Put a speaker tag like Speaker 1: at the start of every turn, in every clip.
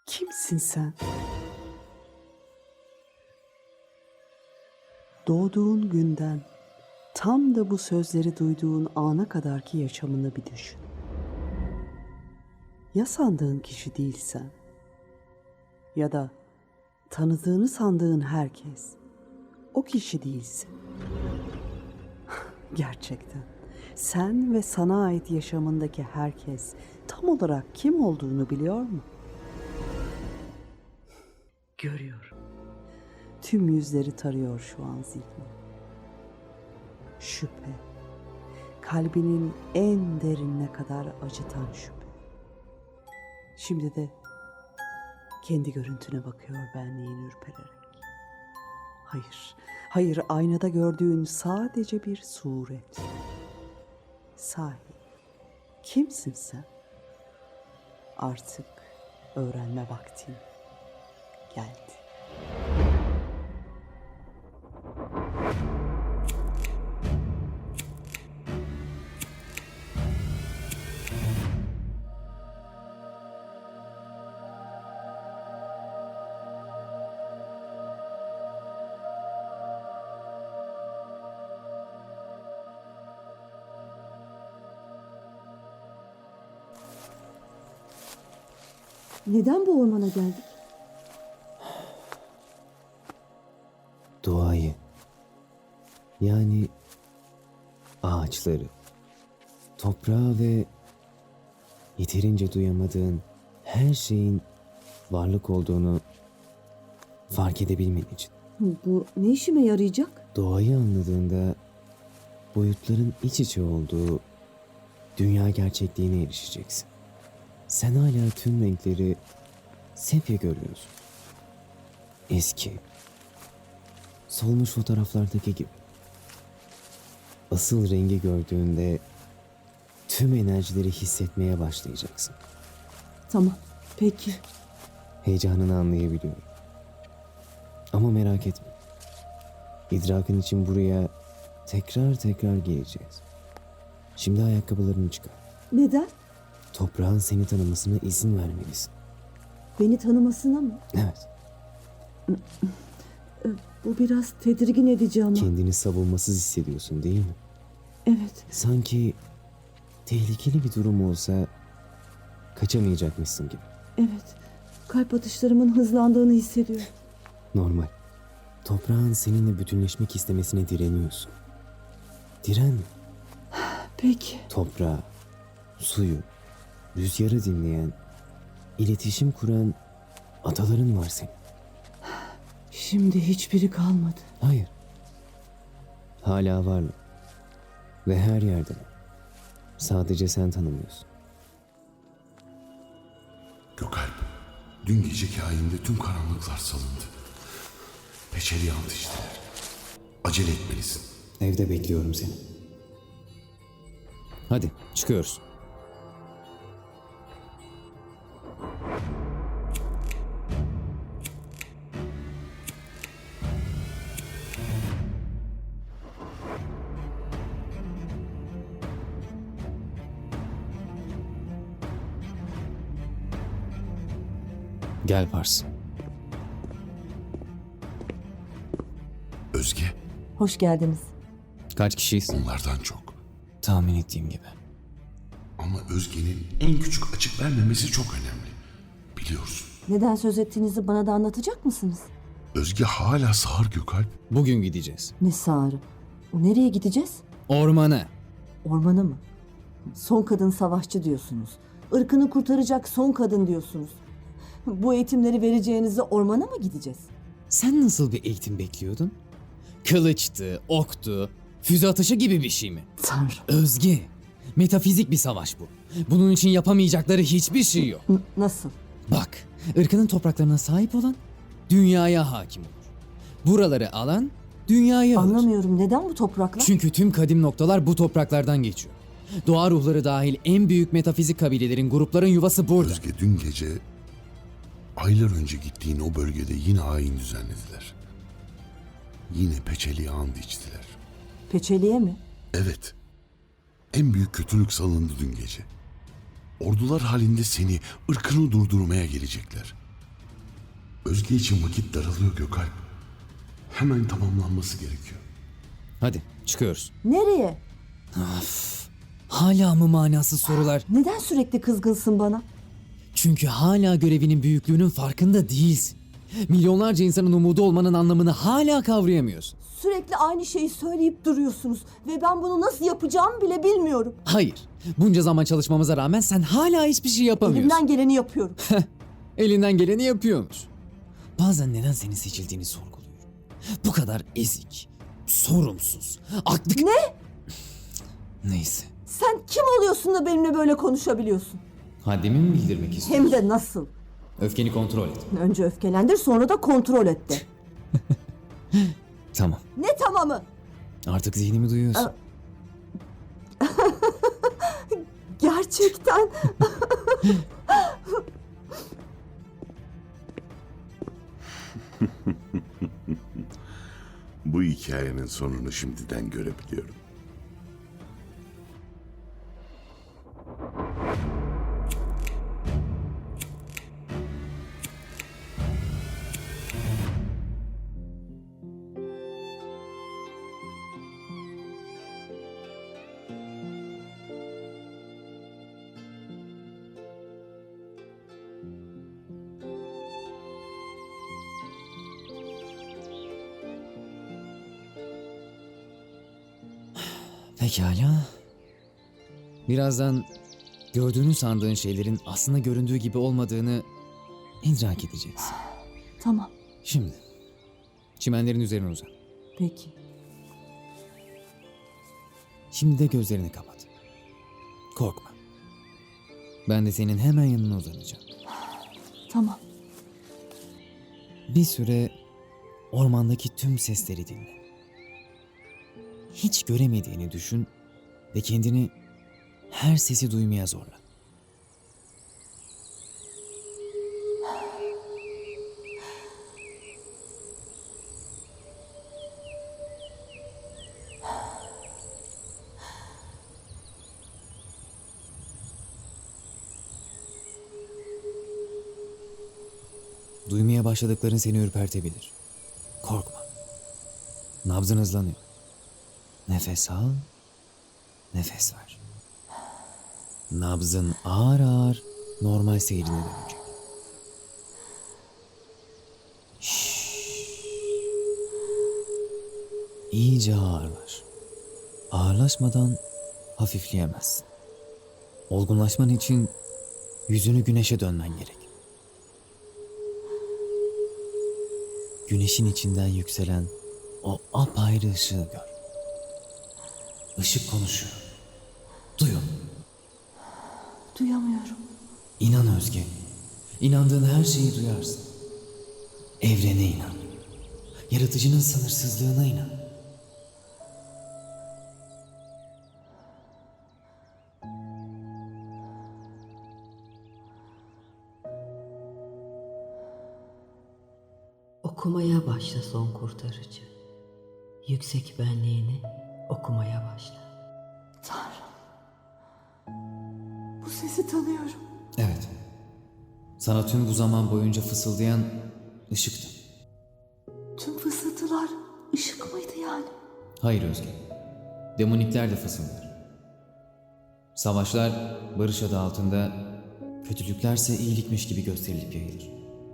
Speaker 1: Kimsin sen? Doğduğun günden tam da bu sözleri duyduğun ana kadarki yaşamını bir düşün. Ya sandığın kişi değilsen ya da tanıdığını sandığın herkes o kişi değilsin. Gerçekten sen ve sana ait yaşamındaki herkes tam olarak kim olduğunu biliyor mu? Görüyorum. Tüm yüzleri tarıyor şu an zihnim. Şüphe. Kalbinin en derinine kadar acıtan şüphe. Şimdi de kendi görüntüne bakıyor benliğin ürpererek. Hayır, hayır, aynada gördüğün sadece bir suret. Sahi, kimsin sen? Artık öğrenme vaktin geldi.
Speaker 2: Neden bu ormana geldik?
Speaker 3: Doğayı, yani ağaçları, toprağı ve yeterince duyamadığın her şeyin varlık olduğunu fark edebilmen için.
Speaker 2: Bu ne işime yarayacak?
Speaker 3: Doğayı anladığında boyutların iç içe olduğu dünya gerçekliğine erişeceksin. Sen hala tüm renkleri sepya görüyorsun. Eski, solmuş fotoğraflardaki gibi. Asıl rengi gördüğünde tüm enerjileri hissetmeye başlayacaksın.
Speaker 2: Tamam, peki.
Speaker 3: Heyecanını anlayabiliyorum. Ama merak etme. İdrakın için buraya tekrar tekrar geleceğiz. Şimdi ayakkabılarını çıkar.
Speaker 2: Neden?
Speaker 3: Toprağın seni tanımasına izin vermelisin.
Speaker 2: Beni tanımasına mı?
Speaker 3: Evet,
Speaker 2: Bu biraz tedirgin edici ama.
Speaker 3: kendini savunmasız hissediyorsun değil mi?
Speaker 2: Evet,
Speaker 3: Sanki tehlikeli bir durum olsa kaçamayacakmışsın gibi.
Speaker 2: evet. Kalp atışlarımın hızlandığını hissediyorum.
Speaker 3: Normal. Toprağın seninle bütünleşmek istemesine direniyorsun. Direnme.
Speaker 2: Peki,
Speaker 3: Toprağı, suyu, rüzgarı dinleyen, iletişim kuran ataların var senin.
Speaker 2: şimdi hiçbiri kalmadı.
Speaker 3: Hayır. Hala varlar. Ve her yerde. Sadece sen tanımıyorsun.
Speaker 4: Gökalp, dün geceki ayinde tüm karanlıklar salındı. Peçeli yandı içtiler. Acele etmelisin.
Speaker 3: Evde bekliyorum seni. Hadi çıkıyoruz. Gel Pars.
Speaker 4: Özge,
Speaker 2: Hoş geldiniz.
Speaker 3: Kaç kişiyiz?
Speaker 4: onlardan çok.
Speaker 3: Tahmin ettiğim gibi.
Speaker 4: Ama Özge'nin en küçük açık vermemesi çok önemli. Biliyorsun.
Speaker 2: Neden söz ettiğinizi bana da anlatacak mısınız?
Speaker 4: Özge hala sağır Gökalp.
Speaker 3: Bugün gideceğiz.
Speaker 2: Ne sağırı? Nereye gideceğiz?
Speaker 3: Ormana.
Speaker 2: Ormana mı? Son kadın savaşçı diyorsunuz. Irkını kurtaracak son kadın diyorsunuz. Bu eğitimleri vereceğinize ormana mı gideceğiz?
Speaker 3: Sen nasıl bir eğitim bekliyordun? Kılıçtı, oktu, füze atışı gibi bir şey mi?
Speaker 2: Tanrım.
Speaker 3: Özge, metafizik bir savaş bu. Bunun için yapamayacakları hiçbir şey yok.
Speaker 2: Nasıl?
Speaker 3: Bak, ırkının topraklarına sahip olan dünyaya hakim olur. Buraları alan dünyayı alır.
Speaker 2: Anlamıyorum. Neden bu topraklar?
Speaker 3: Çünkü tüm kadim noktalar bu topraklardan geçiyor. Doğa ruhları dahil en büyük metafizik kabilelerin, grupların yuvası burada.
Speaker 4: Özge dün gece aylar önce gittiğin o bölgede yine ayin düzenlediler. Yine peçeli and içtiler.
Speaker 2: Peçeliye mi?
Speaker 4: Evet. En büyük kötülük salındı dün gece. Ordular halinde seni, ırkını durdurmaya gelecekler. Özge için vakit daralıyor Gökalp. Hemen tamamlanması gerekiyor.
Speaker 3: Hadi çıkıyoruz.
Speaker 2: Nereye?
Speaker 3: Hala mı manasız sorular?
Speaker 2: Neden sürekli kızgınsın bana?
Speaker 3: Çünkü hala görevinin büyüklüğünün farkında değilsin. Milyonlarca insanın umudu olmanın anlamını hala kavrayamıyorsun.
Speaker 2: Sürekli aynı şeyi söyleyip duruyorsunuz ve ben bunu nasıl yapacağımı bile bilmiyorum.
Speaker 3: Hayır. Bunca zaman çalışmamıza rağmen sen hala hiçbir şey yapamıyorsun.
Speaker 2: Elimden geleni yapıyorum.
Speaker 3: Elinden geleni yapıyormuş. Bazen neden senin seçildiğini sorguluyorum. Bu kadar ezik, sorumsuz, aklı...
Speaker 2: Ne?
Speaker 3: Neyse.
Speaker 2: Sen kim oluyorsun da benimle böyle konuşabiliyorsun?
Speaker 3: Haddimi mi bildirmek istiyorsun?
Speaker 2: Hem de nasıl?
Speaker 3: Öfkeni kontrol et.
Speaker 2: Önce öfkelendir, sonra da kontrol et de.
Speaker 3: Tamam.
Speaker 2: Ne tamamı?
Speaker 3: Artık zihnimi duyuyorsun.
Speaker 2: Gerçekten.
Speaker 4: Bu hikayenin sonunu şimdiden görebiliyorum.
Speaker 3: Pekala. Birazdan gördüğünü sandığın şeylerin aslında göründüğü gibi olmadığını idrak edeceksin.
Speaker 2: Tamam,
Speaker 3: Şimdi çimenlerin üzerine uzan.
Speaker 2: peki.
Speaker 3: Şimdi de gözlerini kapat. Korkma. Ben de senin hemen yanına uzanacağım.
Speaker 2: Tamam.
Speaker 3: Bir süre ormandaki tüm sesleri dinle. Hiç göremediğini düşün ve kendini her sesi duymaya zorla. Duymaya başladıkların seni ürpertebilir. Korkma. Nabzın hızlanıyor. Nefes al, nefes ver. Nabzın ağır ağır normal seyrine dönecek. İyice ağırlaş. Ağırlaşmadan hafifleyemezsin. Olgunlaşman için yüzünü güneşe dönmen gerek. Güneşin içinden yükselen o apayrı ışığı gör. Işık konuşuyor. Duyun.
Speaker 2: Duyamıyorum.
Speaker 3: İnan Özge. İnandığın her şeyi duyarsın. Evrene inan. Yaratıcının sınırsızlığına inan.
Speaker 5: Okumaya başla son kurtarıcı. Yüksek benliğini okumaya başla.
Speaker 2: Tanrım. Bu sesi tanıyorum.
Speaker 3: Evet. Sana tüm bu zaman boyunca fısıldayan ışıktı.
Speaker 2: Tüm fısıltılar ışık mıydı yani?
Speaker 3: Hayır Özge. Demonikler de fısıldar. Savaşlar barış adı altında, kötülüklerse iyilikmiş gibi gösterilip yayılır.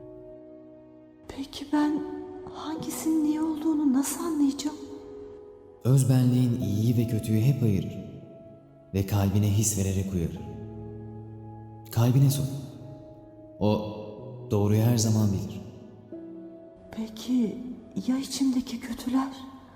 Speaker 2: Peki ben hangisinin iyi olduğunu nasıl anlayacağım?
Speaker 3: Özbenliğin iyiyi ve kötüyü hep ayırır ve kalbine his vererek uyarır. Kalbine sor. O doğruyu her zaman bilir.
Speaker 2: Peki ya içimdeki kötüler?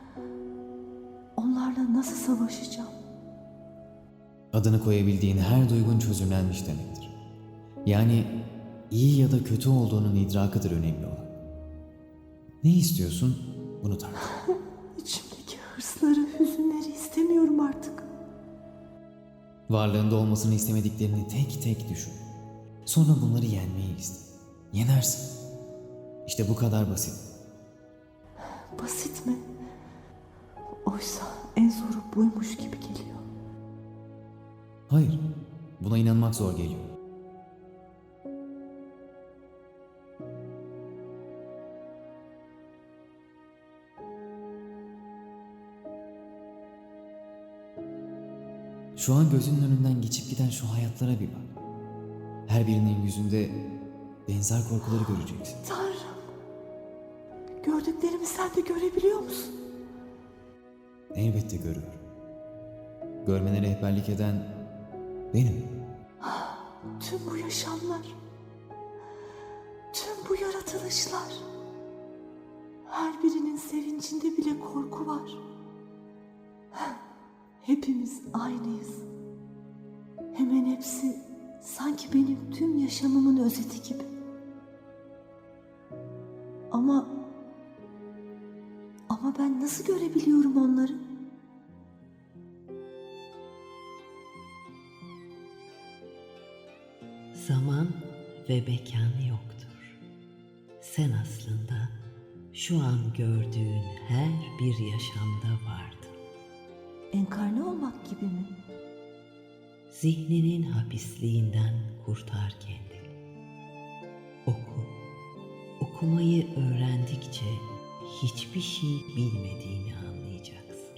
Speaker 2: Onlarla nasıl savaşacağım?
Speaker 3: Adını koyabildiğin her duygun çözümlenmiş demektir. Yani iyi ya da kötü olduğunun idrakıdır önemli olan. Ne istiyorsun? Bunu tartış.
Speaker 2: İçimdeki hırsları, hüzünleri istemiyorum artık.
Speaker 3: Varlığında olmasını istemediklerini tek tek düşün. Sonra bunları yenmeyi iste. Yenersin. İşte bu kadar basit.
Speaker 2: Basit mi? Oysa en zoru buymuş gibi geliyor.
Speaker 3: Hayır, buna inanmak zor geliyor. Şu an gözünün önünden geçip giden şu hayatlara bir bak. Her birinin yüzünde benzer korkuları göreceksin.
Speaker 2: Tanrım. Gördüklerimi sen de görebiliyor musun?
Speaker 3: Elbette görüyorum. Görmene rehberlik eden benim.
Speaker 2: Tüm bu yaşamlar, tüm bu yaratılışlar, her birinin sevincinde bile korku var. Hepimiz aynıyız. Hemen hepsi sanki benim tüm yaşamımın özeti gibi. Ama ben nasıl görebiliyorum onları?
Speaker 5: Zaman ve mekan yoktur. Sen aslında şu an gördüğün her bir yaşamda vardın.
Speaker 2: Enkarne olmak gibi mi?
Speaker 5: Zihninin hapisliğinden kurtar kendini. Oku. Okumayı öğrendikçe hiçbir şey bilmediğini anlayacaksın.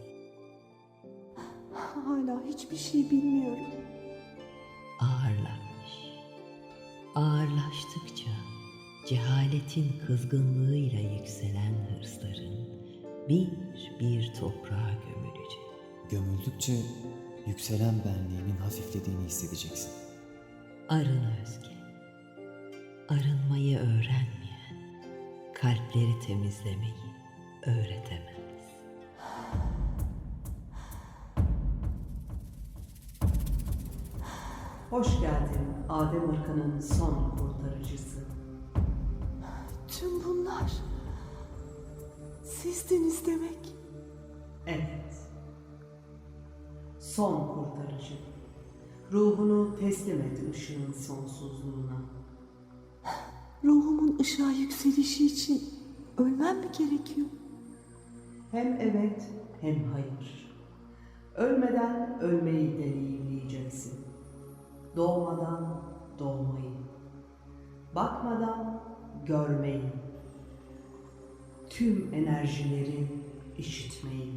Speaker 2: Hala hiçbir şey bilmiyorum.
Speaker 5: Ağırlaş. Ağırlaştıkça cehaletin kızgınlığıyla yükselen hırsların bir bir toprağa gömülecek.
Speaker 3: Gömüldükçe yükselen benliğinin hafiflediğini hissedeceksin.
Speaker 5: Arın Özge. Arınmayı öğrenmeyen kalpleri temizlemeyi öğretemez.
Speaker 1: Hoş geldin Adem ırkının son kurtarıcısı.
Speaker 2: Tüm bunlar sizdiniz demek.
Speaker 1: Evet. Son kurtarıcı. Ruhunu teslim et ışığın sonsuzluğuna.
Speaker 2: Ruhumun ışığa yükselişi için ölmem mi gerekiyor?
Speaker 1: Hem evet hem hayır. Ölmeden ölmeyi deneyimleyeceksin. Doğmadan doğmayı. Bakmadan görmeyi. Tüm enerjileri işitmeyi.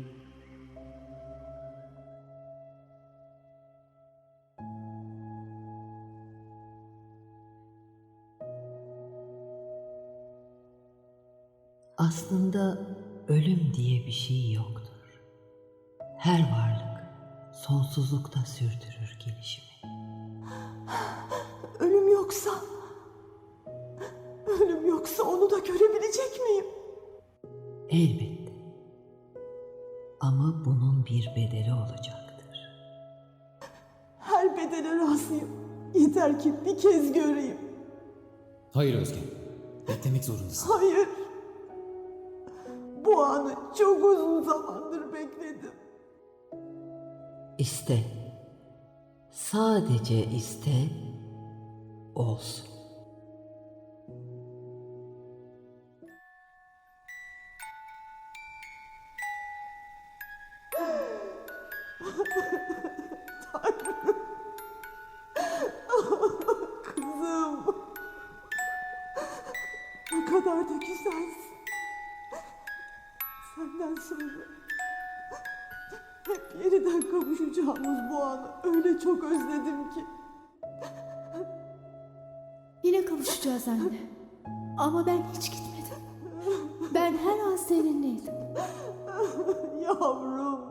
Speaker 5: Aslında ölüm diye bir şey yoktur. Her varlık sonsuzlukta sürdürür gelişimi.
Speaker 2: Ölüm yoksa... Ölüm yoksa onu da görebilecek miyim?
Speaker 5: Elbette. Ama bunun bir bedeli olacaktır.
Speaker 2: Her bedele razıyım. Yeter ki bir kez göreyim.
Speaker 3: Hayır Özge. Beklemek zorundasın.
Speaker 2: Hayır. Bu anı çok uzun zamandır bekledim.
Speaker 5: İste. Sadece iste. Olsun.
Speaker 2: Kızım. Ne kadar da güzelsin. Senden sonra hep yeniden kavuşacağımız bu anı öyle çok özledim ki.
Speaker 6: Yine kavuşacağız anne. Ama ben hiç gitmedim. Ben her an seninleydim.
Speaker 2: Yavrum.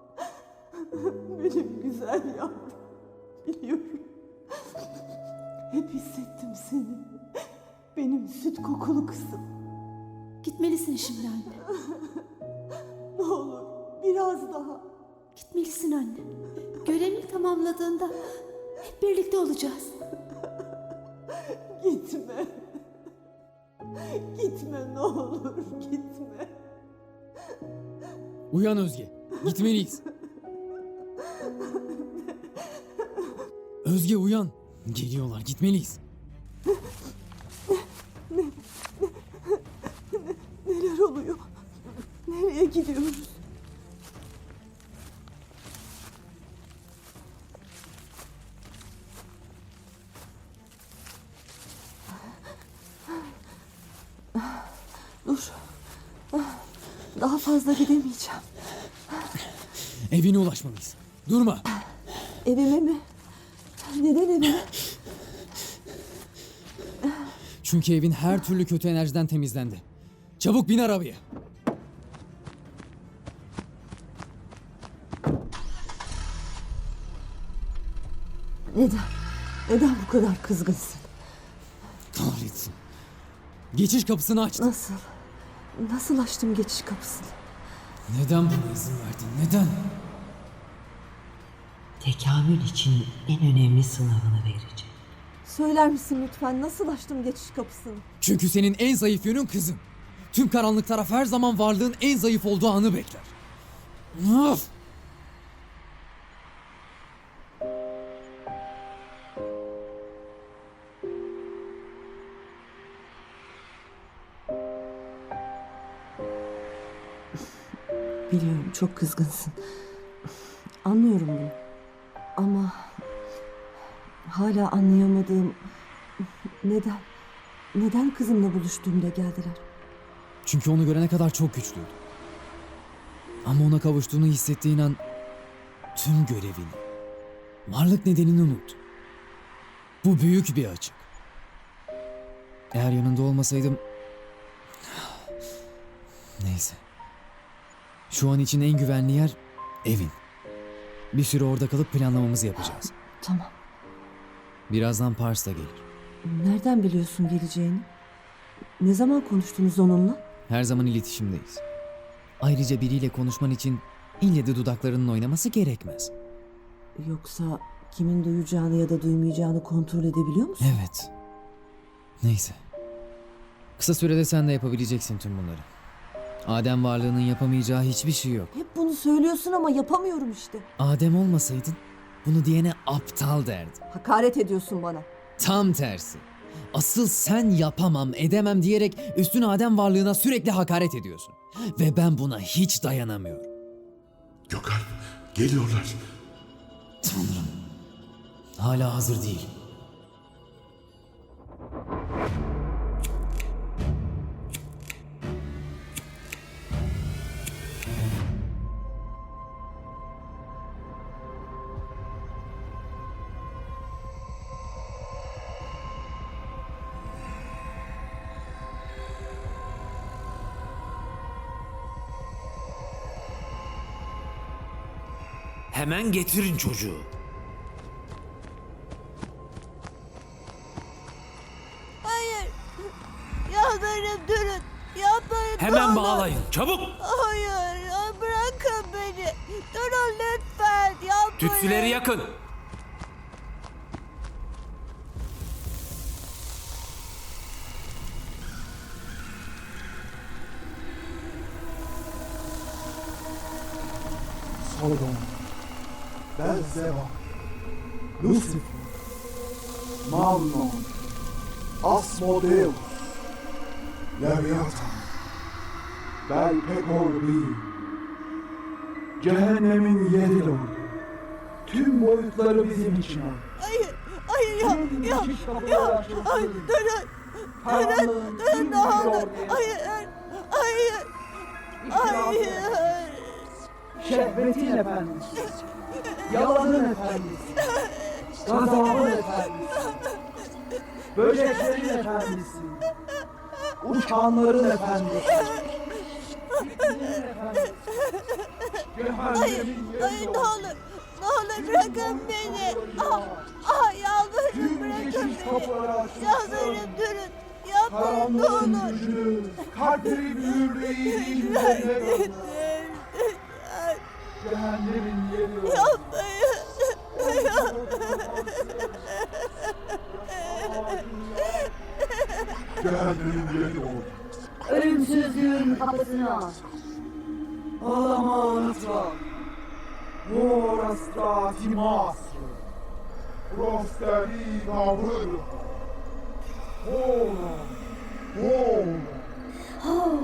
Speaker 2: Benim güzel yavrum. Biliyorum. Hep hissettim seni. Benim süt kokulu kızım.
Speaker 6: Gitmelisin şimdi anne.
Speaker 2: Ne olur biraz daha.
Speaker 6: Gitmelisin anne. Görevini tamamladığında hep birlikte olacağız.
Speaker 2: Gitme. Gitme ne olur gitme.
Speaker 3: Uyan Özge. Gitmeliyiz. Özge uyan. Geliyorlar. Gitmeliyiz.
Speaker 2: Neler oluyor? Nereye gidiyoruz? Dur. Daha fazla gidemeyeceğim.
Speaker 3: Evine ulaşmalıyız. Durma.
Speaker 2: Evime mi? Neden evime?
Speaker 3: Çünkü evin her türlü kötü enerjiden temizlendi. Çabuk bin arabaya.
Speaker 2: Neden? Neden bu kadar kızgınsın?
Speaker 3: Kahretsin. Geçiş kapısını açtın.
Speaker 2: Nasıl? Nasıl açtım geçiş kapısını?
Speaker 3: Neden buna izin verdin? Neden?
Speaker 5: Tekamül için en önemli sınavını verecek.
Speaker 2: Söyler misin lütfen nasıl açtım geçiş kapısını?
Speaker 3: Çünkü senin en zayıf yönün kızın. Tüm karanlık taraf her zaman varlığın en zayıf olduğu anı bekler. Of!
Speaker 2: Biliyorum çok kızgınsın. Anlıyorum bunu. Ama hala anlayamadığım neden kızımla buluştuğumda geldiler?
Speaker 3: Çünkü onu görene kadar çok güçlüydü. Ama ona kavuştuğunu hissettiğin an tüm görevini, varlık nedenini unuttu. Bu büyük bir açık. Eğer yanında olmasaydım... Neyse. Şu an için en güvenli yer evin. Bir süre orada kalıp planlamamızı yapacağız.
Speaker 2: Tamam.
Speaker 3: Birazdan Pars da gelir.
Speaker 2: Nereden biliyorsun geleceğini? Ne zaman konuştunuz onunla?
Speaker 3: Her zaman iletişimdeyiz. Ayrıca biriyle konuşman için ille de dudaklarının oynaması gerekmez.
Speaker 2: Yoksa kimin duyacağını ya da duymayacağını kontrol edebiliyor musun?
Speaker 3: Evet. Neyse. Kısa sürede sen de yapabileceksin tüm bunları. Adem varlığının yapamayacağı hiçbir şey yok.
Speaker 2: Hep bunu söylüyorsun ama yapamıyorum işte.
Speaker 3: Adem olmasaydın bunu diyene aptal derdim.
Speaker 2: Hakaret ediyorsun bana.
Speaker 3: Tam tersi. Asıl sen yapamam, edemem diyerek üstün Adem varlığına sürekli hakaret ediyorsun. Ve ben buna hiç dayanamıyorum.
Speaker 4: Gökalp, geliyorlar.
Speaker 3: Tanrım. Hala hazır değil.
Speaker 7: Hemen getirin çocuğu.
Speaker 8: Hayır. Yalvarırım durun. Yapmayın.
Speaker 7: Hemen
Speaker 8: ne olur.
Speaker 7: bağlayın. Çabuk.
Speaker 8: Hayır. Bırakın beni. Durun lütfen. Yapmayın.
Speaker 7: Tütsüleri yakın.
Speaker 9: Sodom, Beelzebub, Lucifer, Mammon, Asmodeus, Leviathan, Belpegorbi, Cehennemin 7 lordu. Tüm boyutları bizim için var.
Speaker 8: Hayır. Hayır ya. Ya. Hayır. Durun. Durun ne olur. Hayır. Hayır. Hayır.
Speaker 9: Şehvetin efendisi, yalanın efendisi, gazabın efendisi, böceklerin efendisi, uçanların efendisi, fitnenin efendisi, cehennemin
Speaker 8: Hayır
Speaker 9: yeri
Speaker 8: ne olur. Ne olur bırakın beni. Yalvarırım
Speaker 9: tüm
Speaker 8: bırakın
Speaker 9: geçiş
Speaker 8: beni.
Speaker 9: kapıları açılsın.
Speaker 8: Yalvarırım durun. Yapmayın ne
Speaker 9: Karanlığın
Speaker 8: olur.
Speaker 9: gücünü, kalpleri büyürlüğü iyiliğin üzerine gönder. Cehennemin yeri yok.
Speaker 8: Yapmayın.
Speaker 9: Cehennemin yeri yok.
Speaker 10: Ölümsüzlüğün kapısını aç.
Speaker 9: Alamantra, Vorastra Timastro, Prosteri Gavru, Hora, Hora.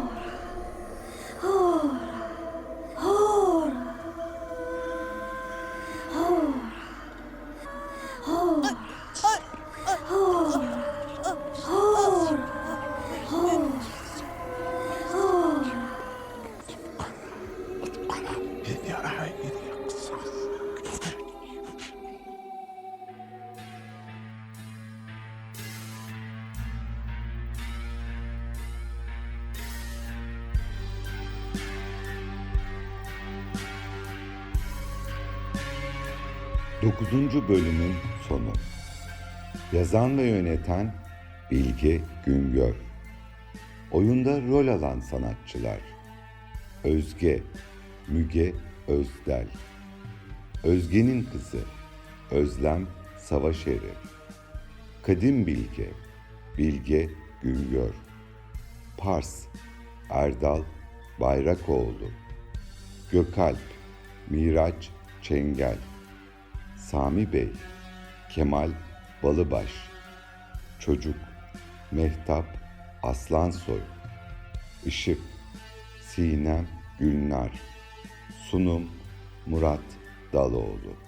Speaker 11: 9. bölümün sonu. Yazan ve yöneten Bilge Güngör. Oyunda rol alan sanatçılar: Özge, Müge Özdel. Özge'nin kızı Özlem Savaşeri. Kadim Bilge, Bilge Güngör. Pars, Erdal Bayrakoğlu. Gökalp, Miraç Çengel. Sami Bey, Kemal Balıbaş. Çocuk, Mehtap Aslansoy. Işık, Sinem Gülnar. Sunum, Murat Daloğlu.